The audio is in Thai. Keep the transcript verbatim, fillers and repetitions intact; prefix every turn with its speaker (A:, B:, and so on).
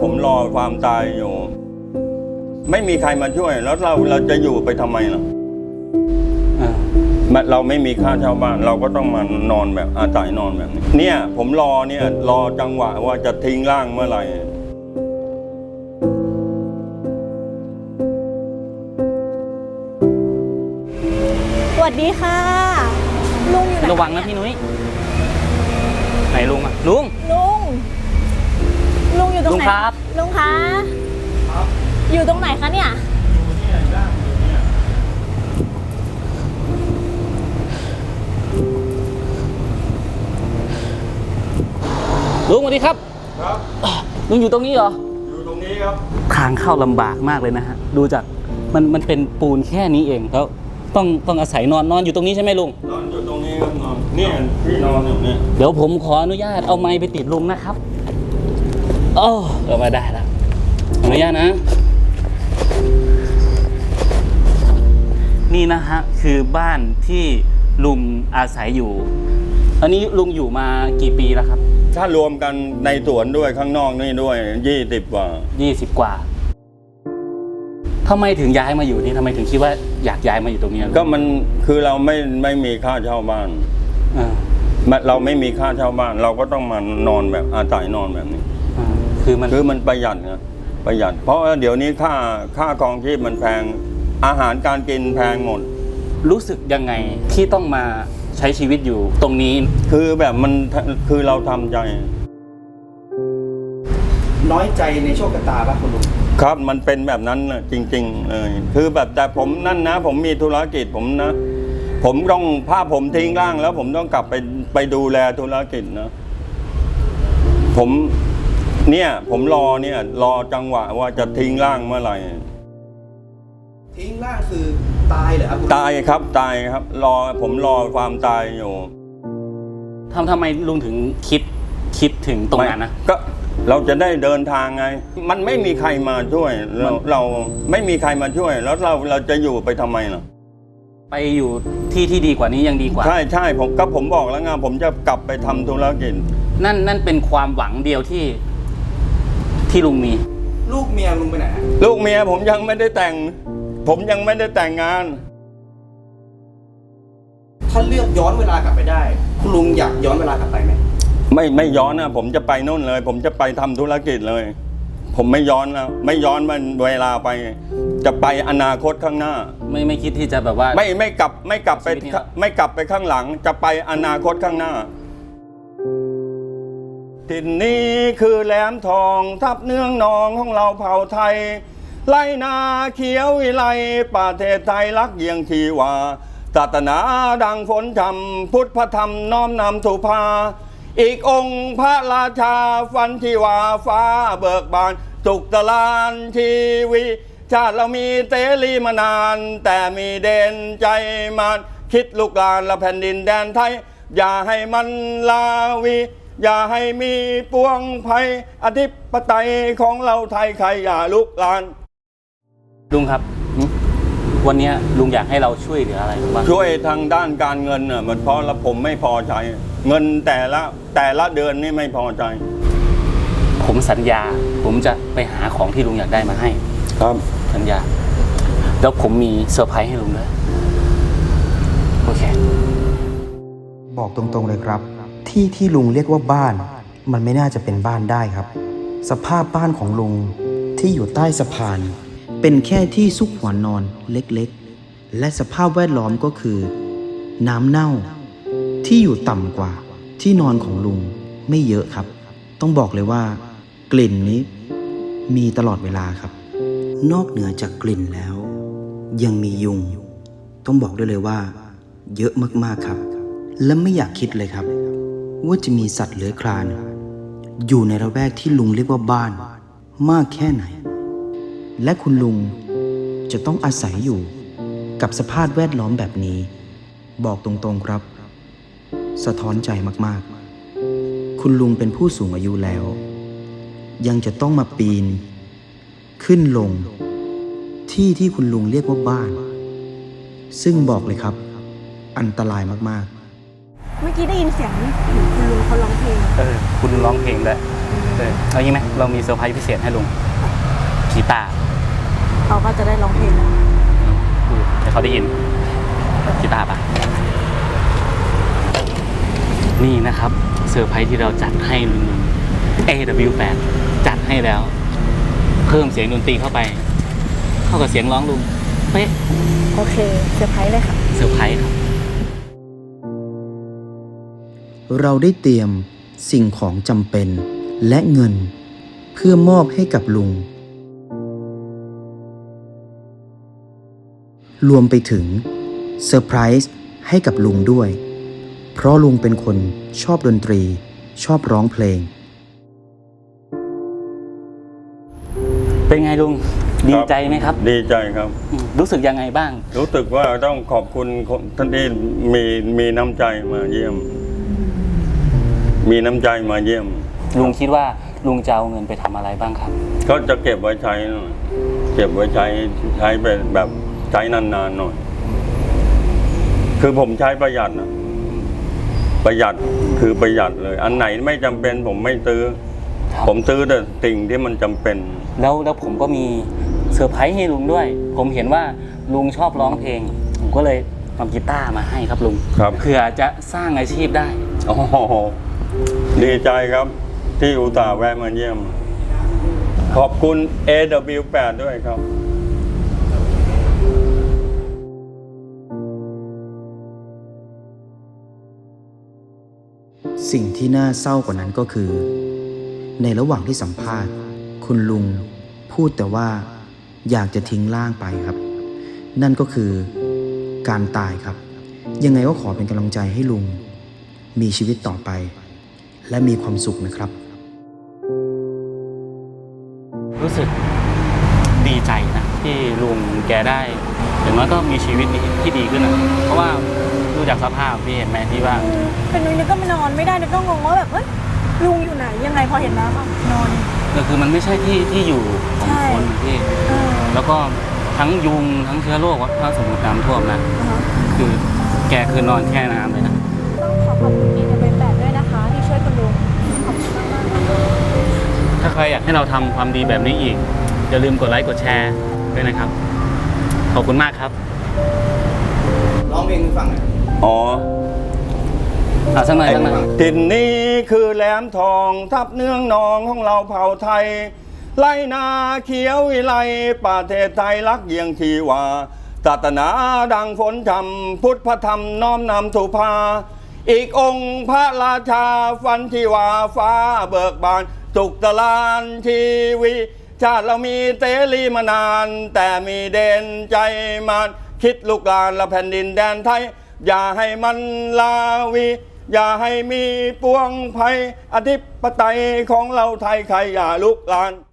A: ผมรอความตายอยู่ไม่มีใครมาช่วยแล้วเราเราจะอยู่ไปทำไมล่ะเราไม่มีค่าเช่าบ้านเราก็ต้องมานอนแบบอาศัยนอนแบบนี้เนี่ยผมรอเนี่ยรอจังหวะว่าจะทิ้งร่างเมื่อไหร่
B: สวัสดีค่ะลุงอยู่ไหน
C: ระวังนะพี่นุ้ยไหนลุงอะลุง
B: ลุงลุงอยู่ตรงไหน
C: ลุงครับ
B: ลุงคะอยู่ตรงไหนคะเนี่ย
C: ลุงสวัสดีครับ
A: ครับ
C: ลุงอยู่ตรงนี้เหรอ
A: อยู่ตรงนี้ครับ
C: ทางเข้าลำบากมากเลยนะฮะดูจากมันมันเป็นปูนแค่นี้เองแล้วต้องต้องอาศัยนอนนอนอยู่ตรงนี้ใช่ไหมลุง
A: นอนอยู่ตรงนี้ครับนอนเนี่ยพี่นอนอยู่เนี่ย
C: เดี๋ยวผมขออนุญาตเอาไม้ไปติดลุงนะครับโอ้เอามาได้แล้วอนุญาตนะนี่นะฮะคือบ้านที่ลุงอาศัยอยู่อันนี้ลุงอยู่มากี่ปีแล้วครับ
A: ถ้ารวมกันในสวนด้วยข้างนอกนี่ด้วยยี่สิบกว่า
C: ยี่สิบกว่าทำไมถึงย้ายมาอยู่นี่ทำไมถึงคิดว่าอยากย้ายมาอยู่ตรงนี้
A: ก็มันคือเราไม่ไม่มีค่าเช่าบ้านเราไม่มีค่าเช่าบ้านเราก็ต้องมานอนแบบอาศัยนอนแบบนี้
C: คือมัน
A: คือมันประหยัดนะประหยัดเพราะเดี๋ยวนี้ค่าค่าครองชีพมันแพงอาหารการกินแพงหมด
C: รู้สึกยังไงที่ต้องมาใช้ชีวิตอยู่ตรงนี้
A: คือแบบมันคือเราทำใจ
D: น้อยใจในโชคชะตาป่ะคุณลุง
A: ครับมันเป็นแบบนั้นนะจริงๆเลยคือแบบแต่ผมนั่นนะผมมีธุรกิจผมนะผมต้องพาผมทิ้งร่างแล้วผมต้องกลับไปไปดูแลธุรกิจนะผมเนี่ยผมรอเนี่ยรอจังหวะว่าจะทิ้งร่างเมื่อไหร่
D: ทิ้งร่างคือตายเหรอครับ
A: ตายครับตายครับรอผมรอความตายอยู่
C: ทำทำไมลุงถึงคิดคิดถึงตรงนั้นนะ
A: ก็เราจะได้เดินทางไงมันไม่มีใครมาช่วยเราเราไม่มีใครมาช่วยแล้วเราเราจะอยู่ไปทำไมล่ะ
C: ไปอยู่ที่ที่ดีกว่านี้ยังดีกว่า
A: ใช่ใช่ผมก็ผมบอกแล้วไงผมจะกลับไปทำธุรกิจ
C: นั่นนั่นเป็นความหวังเดียวที่ที่ลุงมี
D: ลูกเมียลุงไปไหน
A: ลูกเมียผมยังไม่ได้แต่งผมยังไม่ได้แต่งงาน
D: ถ้าเลือกย้อนเวลากลับไปได้คุณลุงอยากย้อนเวลากลับไปไหม
A: ไม่ไม่ย้อนนะผมจะไปนู่นเลยผมจะไปทำธุรกิจเลยผมไม่ย้อนแล้วไม่ย้อนมันเวลาไปจะไปอนาคตข้างหน้า
C: ไม่ไม่คิดที่จะแบบว่า
A: ไม่ไม่กลับไม่กลับไปไม่กลับไปข้างหลังจะไปอนาคตข้างหน้าถิ่นนี้คือแหลมทองทับเนื้องนองของเราเผ่าไทยไรนาเขียววิไลประเทศไทยรักเยียงทีวาศาสนาดังฝนธรรมพุทธธรรมน้อมนำสุภาอีกองค์พระราชาฟันที่ว่าฟ้าเบิกบานสุขตลานชีวิชาติเรามีเตรีมานานแต่มีเด่นใจมันคิดลูกหลานละแผ่นดินแดนไทยอย่าให้มันลาวีอย่าให้มีปวงภัยอธิปไตยของเราไทยใครอย่าลุกลาน
C: ลุงครับวันนี้ลุงอยากให้เราช่วยเหลืออะไรบ้าง
A: ช่วยทางด้านการเงินน่ะมันเพราะละผมไม่พอใช้เงินแต่ละแต่ละเดือนนี่ไม่พอใจ
C: ผมสัญญาผมจะไปหาของที่ลุงอยากได้มาให้
A: ครับ
C: สัญญาแล้วผมมีเซอร์ไพรส์ให้ลุงด้วยโอเค
E: บอกตรงๆเลยครับที่ที่ลุงเรียกว่าบ้านมันไม่น่าจะเป็นบ้านได้ครับสภาพบ้านของลุงที่อยู่ใต้สะพานเป็นแค่ที่ซุกหัวนอนเล็กๆและสภาพแวดล้อมก็คือน้ำเน่าที่อยู่ต่ำกว่าที่นอนของลุงไม่เยอะครับต้องบอกเลยว่ากลิ่นนี้มีตลอดเวลาครับนอกเหนือจากกลิ่นแล้วยังมียุงต้องบอกได้เลยว่าเยอะมากๆครับและไม่อยากคิดเลยครับว่าจะมีสัตว์เลื้อยคลานอยู่ในระแวกที่ลุงเรียกว่าบ้านมากแค่ไหนและคุณลุงจะต้องอาศัยอยู่กับสภาพแวดล้อมแบบนี้บอกตรงๆครับสะท้อนใจมากๆคุณลุงเป็นผู้สูงอายุแล้วยังจะต้องมาปีนขึ้นลงที่ที่คุณลุงเรียกว่าบ้านซึ่งบอกเลยครับอันตรายมากๆ
B: เมื่อกี้ได้ยินเสียงคุณลุงเขาร้องเพลง
C: เออคุณร้องเพลงด้วยเออเอางี้ไหมเรามีเซอร์ไพรส์พิเศษให้ลุงกีตาร์
B: เขาก็จะได้ร้องเพลงนะ
C: ดูให้เขาได้ยินกีตาร์ปะนี่นะครับเซอร์ไพรส์ที่เราจัดให้ลุง เอ ดับเบิลยู แปด จัดให้แล้ว เพิ่มเสียงดนตรีเข้าไปเข้ากับเสียงร้องลุงเป๊ะ
B: โอเคเซอร์ไพรส์เลยค่ะ
C: เซอร์ไพรส์ครับ
E: เราได้เตรียมสิ่งของจำเป็นและเงินเพื่อมอบให้กับลุง รวมไปถึงเซอร์ไพรส์ให้กับลุงด้วย เพราะลุงเป็นคนชอบดนตรีชอบร้องเพลง
C: เป็นไงลุงดีใจไหมครับ
A: ดีใจครับ
C: อืมรู้สึกยังไงบ้าง
A: รู้สึกว่าต้องขอบคุณคนท่านที่มีมีน้ำใจมาเยี่ยม มีน้ำใจมาเยี่ยม
C: ลุงคิดว่าลุงจะเอาเงินไปทำอะไรบ้างครับ
A: ก็จะเก็บไว้ใช้หน่อยเก็บไว้ใช้ใช้เป็นแบบใช้นานๆหน่อย คือผมใช้ประหยัดนะประหยัดคือประหยัดเลย อันไหนไม่จำเป็นผมไม่ซื้อ
C: ครับ
A: ผมซื้อแต่สิ่งที่มันจำเป็น
C: แล้วแล้วผมก็มีเซอร์ไพรส์ให้ลุงด้วย ผมเห็นว่าลุงชอบร้องเพลง ผมก็เลยนำกีตาร์มาให้ครับลุง
A: ครับ
C: เผื่อจะสร้างอาชีพได้
A: โอ้โหดีใจครับ ที่อุตส่าห์แวะมาเยี่ยม ขอบคุณ เอ ดับเบิลยู แปด ด้วยครับ
E: สิ่งที่น่าเศร้ากว่านั้นก็คือ ในระหว่างที่สัมภาษณ์ คุณลุงพูดแต่ว่าอยากจะทิ้งร่างไปครับ นั่นก็คือการตายครับ ยังไงก็ขอเป็นกำลังใจให้ลุงมีชีวิตต่อไป และมีความสุขนะครับ
C: รู้สึกดีใจนะที่ลุงแกได้อย่างน้อยก็มีชีวิตที่ดีขึ้นนะเพราะว่าดูจากสภาพพี่เห็นไหมที่ว่า
B: เป็นนุ้ยนึกก็ไม่นอนไม่ได้นึกก็งงว่าแบบเฮ้ยลุงอยู่ไหนยังไงพอเห็นน้ำอ่ะนอน
C: ก็คือมันไม่ใช่ที่ที่อยู่ของ
B: ใช่
C: คนพี่
B: เออ
C: แล้วก็ทั้งยุงทั้งเชื้อโรคถ้าสมมติน้ำท่วมนะ
B: อ่าฮะ
C: คือแกคือนอนแช่น้ำเลยนะ
B: ต้องขอขอบคุณ เอ ดับเบิลยู แปด ด้วยนะคะที่ช่วยคุณลุงขอบคุณมากมากๆ
C: ถ้าใครอยากให้เราทำความดีแบบนี้อีกอย่าลืมกดไลค์กดแชร์ด้วยนะครับ ขอบคุณมากครับ
D: ร้องเพลงให้ฟังหน่อย
A: อ๋อ
C: อ่ะสักหน่อยสักหน่อย
A: ถิ่นนี้คือแหลมทองทับเนื้องนองของเราเผ่าไทยไล่นาเขียววิไลประเทศไทยรักเยียงทีวาศาสนาดังฝนธรรมพุทธธรรมน้อมนำสุภา อีกองค์พระราชาฟันที่ว่าฟ้าเบิกบานสุขตลานทีวีชาติเรามีเตรีมานาน แต่มีเด่นใจมันคิดลูกหลานและแผ่นดินแดนไทย อย่าให้มันลาวี อย่าให้มีปวงภัยอธิปไตยของเราไทยใครอย่าลุกลาน